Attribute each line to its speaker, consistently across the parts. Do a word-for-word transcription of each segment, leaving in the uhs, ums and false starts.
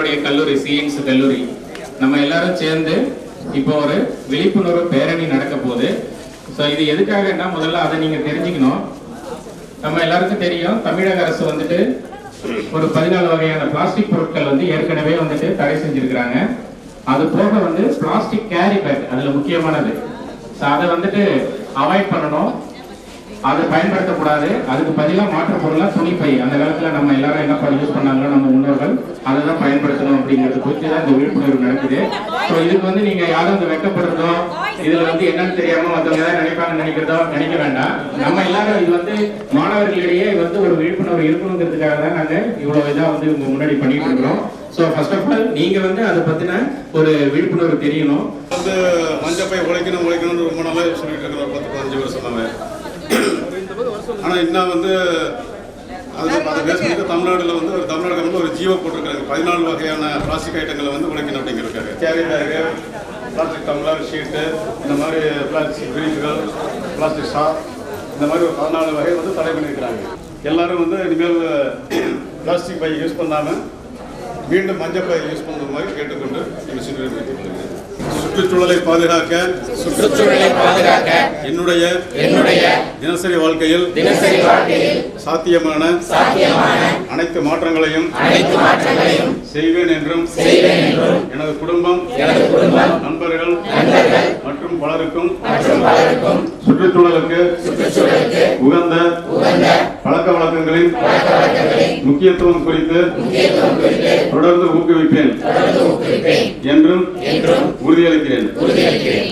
Speaker 1: எங்களுடைய கல்லூரி சிஎன்ஸ் கல்லூரி நம்ம எல்லாரும் சேர்ந்து இப்போ ஒரு விழிப்புணர்வு பேரணி நடக்க போகுது. ஸோ இது எதுக்காகன்னா முதல்ல அதை நீங்க தெரிஞ்சுக்கணும். நம்ம எல்லாருக்கும் தெரியும் தமிழக அரசு வந்துட்டு ஒரு பதினாலு வகையான பிளாஸ்டிக் பொருட்கள் வந்து ஏற்கனவே வந்துட்டு தடை செஞ்சிருக்கிறாங்க. அது போக வந்து பிளாஸ்டிக் கேரி பேக் அதுல முக்கியமானது. ஸோ அதை வந்துட்டு அவாய்ட் பண்ணணும், அதை பயன்படுத்தக்கூடாது. அதுக்கு பதிலாக மாற்று பொருளாக துணிப்பை அந்த காலத்தில் நம்ம எல்லாரும் என்ன பண்ணி யூஸ் பண்ணாங்களோ நம்ம முன்னோர்கள் அதை தான் பயன்படுத்தணும் அப்படிங்கிறது குறித்து தான் இந்த விழிப்புணர்வு நடக்குது. ஸோ இதுக்கு வந்து நீங்கள் யாரும் வந்து வெக்கப்படுறதோ இதில் வந்து என்னன்னு தெரியாமல் மற்றவங்க ஏதாவது நினைப்பாங்கன்னு நினைக்கிறதோ நினைக்க வேண்டாம். நம்ம எல்லாரும் இது வந்து மாணவர்களிடையே வந்து ஒரு விழிப்புணர்வு இருக்கணுங்கிறதுக்காக தான் நாங்கள் இவ்வளோ இதாக வந்து உங்க முன்னாடி பண்ணிட்டு இருக்கிறோம். ஸோ ஃபர்ஸ்ட் ஆஃப் ஆல் நீங்கள் வந்து அதை பற்றின ஒரு விழிப்புணர்வு தெரியணும்.
Speaker 2: வந்து மஞ்சப்பை உழைக்கணும் உழைக்கணும்னு ரொம்ப நாளாக சொல்லிட்டு இருக்கிறோம், பத்து பதினஞ்சு வருஷமாவே. ஆனால் இன்னும் வந்து அது அதை பேஸ் பண்ணி தமிழ்நாட்டில் வந்து ஒரு தமிழ்நாடு வந்து ஒரு ஜீவோ போட்டிருக்காங்க. பதினாலு வகையான பிளாஸ்டிக் ஐட்டங்களை வந்து உழைக்கணும் அப்படிங்கிறக்காங்க. Carry bag, plastic tumbler, sheet, இந்த மாதிரி பிளாஸ்டிக் பிரீஃப்கள், பிளாஸ்டிக் ஷா, இந்த மாதிரி ஒரு பதினாலு வகை வந்து தடை பண்ணியிருக்கிறாங்க. எல்லாரும் வந்து இனிமேல் பிளாஸ்டிக் பை யூஸ் பண்ணாமல் மீண்டும் மஞ்சள் பை யூஸ் பண்ணுற மாதிரி கேட்டுக்கொண்டு எங்கள் சிறுவர்கள் சுற்றுச்சூழலை பாதுகாக்க
Speaker 3: சுற்றுச்சூழலை பாதுகாக்க
Speaker 2: என்னுடைய
Speaker 3: என்னுடைய
Speaker 2: தினசரி வாழ்க்கையில்
Speaker 3: தினசரி வாழ்க்கையில்
Speaker 2: சாத்தியமான
Speaker 3: சாத்தியமான
Speaker 2: அனைத்து மாற்றங்களையும்
Speaker 3: அனைத்து மாற்றங்களையும்
Speaker 2: செய்வேன் என்றும்
Speaker 3: செய்வேன் என்றும்
Speaker 2: எனது குடும்பம்
Speaker 3: எனது குடும்பம்
Speaker 2: நண்பர்கள்
Speaker 3: நண்பர்கள்
Speaker 2: மற்றும் பலருக்கும்
Speaker 3: மற்றும் பலருக்கும்
Speaker 2: சுற்றுச்சூழலுக்கு
Speaker 3: சுற்றுச்சூழலுக்கு
Speaker 2: உகந்த
Speaker 3: உகந்த
Speaker 2: பழக்க வழக்கங்களின்
Speaker 3: பழக்க வழக்கங்களின்
Speaker 2: முக்கியத்துவம் குறித்து
Speaker 3: முக்கியத்துவம் குறித்து
Speaker 2: தொடர்ந்து ஊக்குவிப்பேன்
Speaker 3: தொடர்ந்து ஊக்குவிப்பேன்
Speaker 2: என்றும்
Speaker 3: என்றும்
Speaker 2: உறுதியளிக்கிறேன்
Speaker 3: உறுதியளிக்கிறேன்.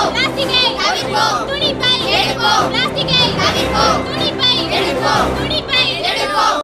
Speaker 4: பிளாஸ்டிக்கை தவிர்ப்போம், துணிப்பை எடுப்போம், பிளாஸ்டிக்கை தவிர்ப்போம், துணிப்பை எடுப்போம், துணிப்பை